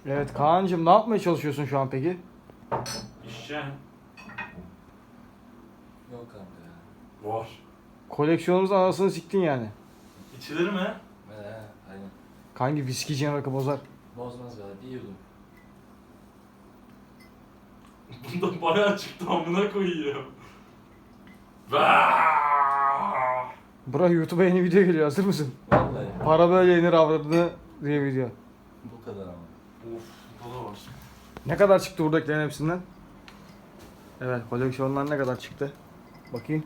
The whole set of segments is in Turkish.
Evet Kaan'cığım ne yapmaya çalışıyorsun şu an peki? İşeceğim. Yok kanka ya. Var. Koleksiyonumuzun anasını siktin yani. İçilir mi? Aynen. Kanki viskiciğin rakı bozar. Bozmaz be, bir yudum. Bunda bayağı çıktı amına koyuyor. Vaaaaaa! Bura YouTube'a yeni video geliyor, hazır mısın? Vallahi. Para böyle yenir avradını diye video. Bu kadar ama. Of, bu da var. Ne kadar çıktı buradakilerin hepsinden? Evet, koleksiyonlar ne kadar çıktı? Bakayım.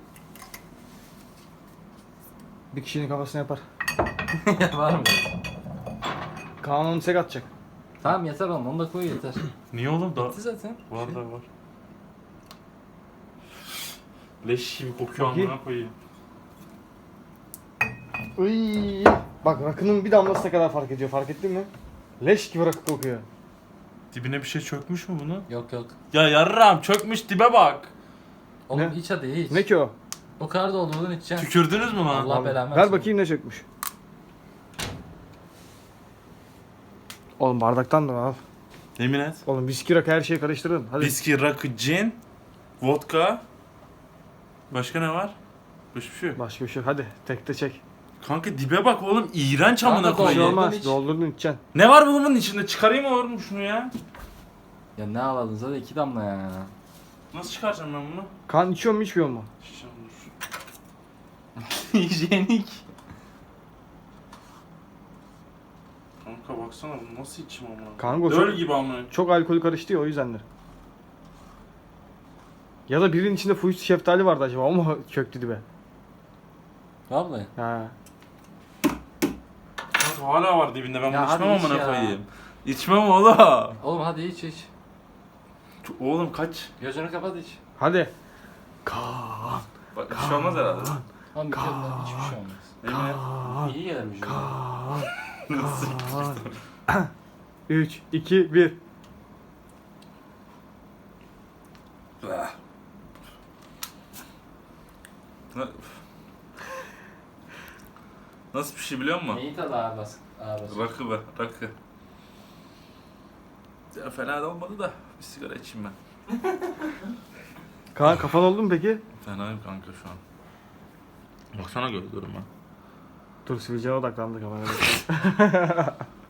Bir kişinin kafasına yapar. Var mı? Kaan onu tek atacak. Tamam yeter oğlum, onu da koy yeter. Niye oğlum da? Bitti zaten. Var da var. Leş gibi kokuyor Bakayım. amına koyayım. Iy. Bak rakının bir damlası ne kadar fark ediyor, fark ettin mi? Leş gibi rakı kokuyor. Dibine bir şey çökmüş mü bunu? Yok yok. Ya yarram çökmüş dibe bak. Oğlum Ne? iç hadi iç. Ne ki o? O kadar doldurdun içeceksin. Tükürdünüz mü lan? Allah belamı Ver versin. bakayım ne çökmüş. Oğlum bardaktan da al. Yemin et. Oğlum viski rakı her şeyi karıştırdın. Hadi. Viski, rakı, cin, vodka. Başka ne var? Hiçbir şey yok. Başka bir şey yok. Hadi tekte çek. Kanka dibe bak oğlum, iğrenç Kanka amına Bir şey doldurdun koyayım. olmaz. iç. Doldurdun içeceksin. Ne var bunun içinde? Çıkarayım mı oğlum şunu ya? Ya ne alalım zaten 2 damla ya. Nasıl çıkaracağım ben bunu? Kan içiyor mu içmiyor mu? Şişeceğim dur. Hijyenik. Kanka baksana bunu nasıl içeyim amına? Kanka o Döl çok, gibi amına. çok alkol karıştı ya o yüzdendir. Ya da birinin içinde fuyuz şeftali vardı acaba, o mu çöktü dibe? Vallahi. Ha. Kanka hala var dibinde, ben Ya bunu hadi içmem iç amına ya. koyayım. İçmem oğlum. Oğlum hadi iç iç. Oğlum kaç? Gözünü kapat iç. Hadi. Kaan. Bak bir şey olmaz herhalde. Oğlum bir şey olmaz. Hiçbir şey olmaz. Yemin et. Kaan. İyi gelir vücuduna. Kaan. Nasıl? Kaan. 3, 2, 1. Ah. Nasıl bir şey biliyor musun? Neyi tadı ağır bas. Ağır bas. Rakı be, rakı. Ya fena da olmadı da bir sigara içeyim ben. Kaan kafan oldu mu peki? Fenayım kanka şu an. Baksana gözlerime. Dur sivilceye odaklandı kafana.